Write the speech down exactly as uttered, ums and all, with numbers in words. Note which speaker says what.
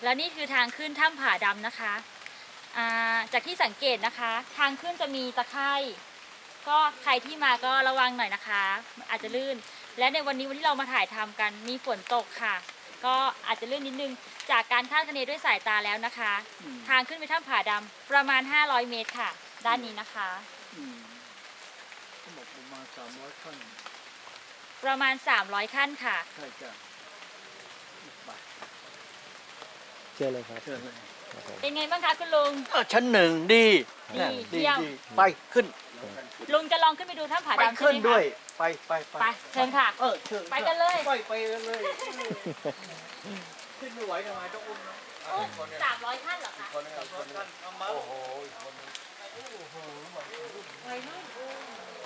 Speaker 1: แล้วนี่คือทางขึ้นถ้ำผาดำนะคะจากที่สังเกตนะคะทางขึ้นจะมีตะไคร่ก็ใครที่มาก็ระวังหน่อยนะคะอาจจะลื่นและในวันนี้วันที่เรามาถ่ายทำกันมีฝนตกค่ะก็อาจจะลื่นนิดนึงจากการคาดคะเนด้วยสายตาแล้วนะคะทางขึ้นไปถ้ำผาดำประมาณห้าร้อยเมตรค่ะด้านนี้นะคะ
Speaker 2: เขาบอกประมาณสามร้อยขั้น
Speaker 1: ประมาณสามร้อยขั้นค่ะ
Speaker 2: ใช่จ้ะ
Speaker 3: เชื่อเลยครับ
Speaker 2: เชื่อเลย
Speaker 1: เป็นไงบ้างคะคุณลุง
Speaker 2: เออชั้นหนึ่งดี
Speaker 1: ดีเยี่ยม
Speaker 2: ไปขึ้น
Speaker 1: ลุงจะลองขึ้นไปดูถ้ำผาดำใช่ไหมคะ
Speaker 2: ขึ้นด้วยไปไป
Speaker 1: ไปเชิญค่ะ
Speaker 2: เออเชิญ
Speaker 1: ไปกันเลย
Speaker 2: ไปไปกันเลยขึ้นไม่ไหวทำไมต้องอุ้มนะ
Speaker 1: สามร้อยขั้นเหรอคะ
Speaker 2: โอ้โหโอ้โห
Speaker 1: วัยรุ่น